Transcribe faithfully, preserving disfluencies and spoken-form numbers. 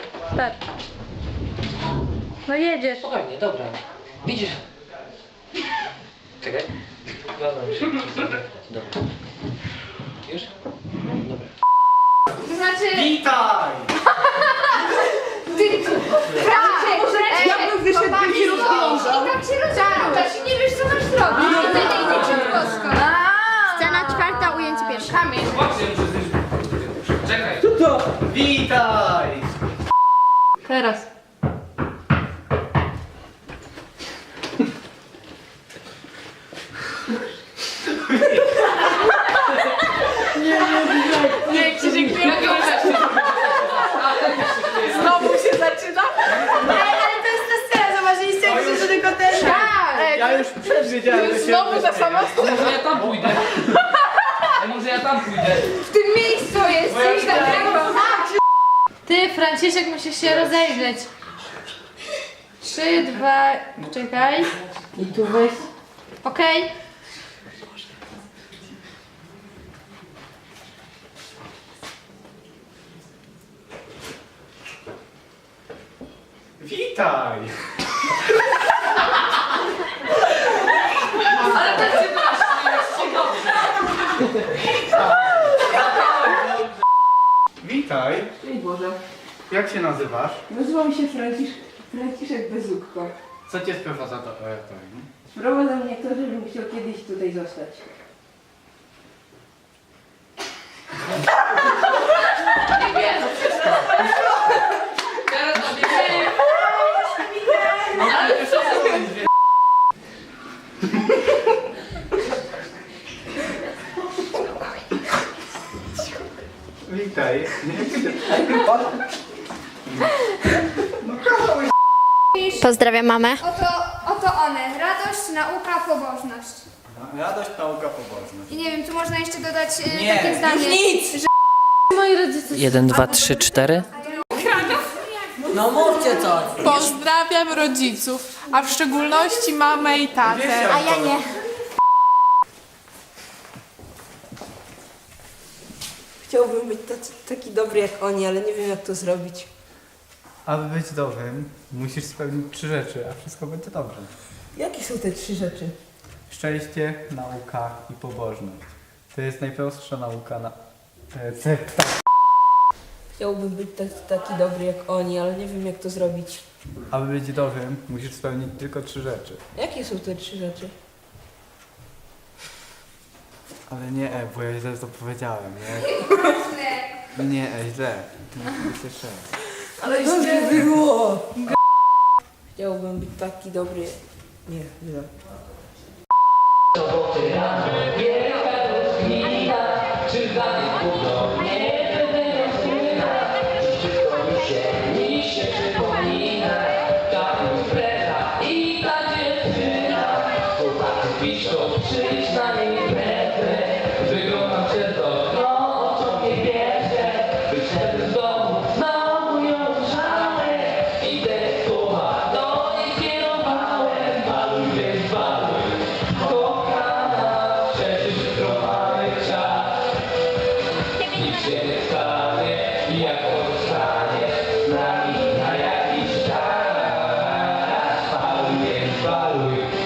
Start. No jedziesz. Spokojnie, dobra. Widzisz? Czekaj. Dobra. Dobra. Już? Dobra. To znaczy... Witaj! Ty... Tak! Ja bym wyszedł, bym się rozglądał. I tak się rozglądasz i nie wiesz, co masz zrobić. No to nie ciężko. Scena czwarta, ujęcie pierwsze. Kamień. Czekaj. Co to? Witaj! Teraz. Nie, Krzysiek, ty Znowu się zaczyna? Ej, ale to jest ta scena, zobaczyliście, jak się tylko ten... Tak! Ja już przewidziałem, że się... Znowu ta sama scena. Może ja tam pójdę. A może ja tam pójdę. W tym miejscu jest coś takiego. Ty, Franciszek, musisz się rozejrzeć. Trzy, dwa, czekaj. I tu weź. Okej. Witaj! Ale tak się właśnie, jest ci dobrze. Witaj! Ej Boże, Jak się nazywasz? nazywam się Francisz, Franciszek Bezukko. Co cię sprowadza do E T? Sprowadza mnie to, żebym chciał kiedyś tutaj zostać. Teraz odbiegaj. Ale to co będzie? Witaj. Pozdrawiam mamę. Oto, oto one. Radość, nauka, pobożność. Radość, nauka, pobożność. I nie wiem, tu można jeszcze dodać e, Nie, takie już zdanie. nic! Że... Moi rodzice... Jeden, dwa, trzy, cztery. No mówcie coś! Pozdrawiam rodziców, a w szczególności mamę i tatę. A ja nie. Chciałbym być tacy, taki dobry jak oni, ale nie wiem jak to zrobić. Aby być dobrym, musisz spełnić trzy rzeczy, a wszystko będzie dobrze. Jakie są te trzy rzeczy? Szczęście, nauka i pobożność. To jest najprostsza nauka na... recepta. Chciałbym być tak, taki dobry jak oni, ale nie wiem jak to zrobić. Aby być dobrym, musisz spełnić tylko trzy rzeczy. Jakie są te trzy rzeczy? Ale nie E, bo ja źle to powiedziałem, nie? Nie E, źle. Musi być jeszcze raz. Ale źle było! Chciałbym być taki dobry... Nie, źle. Paluj,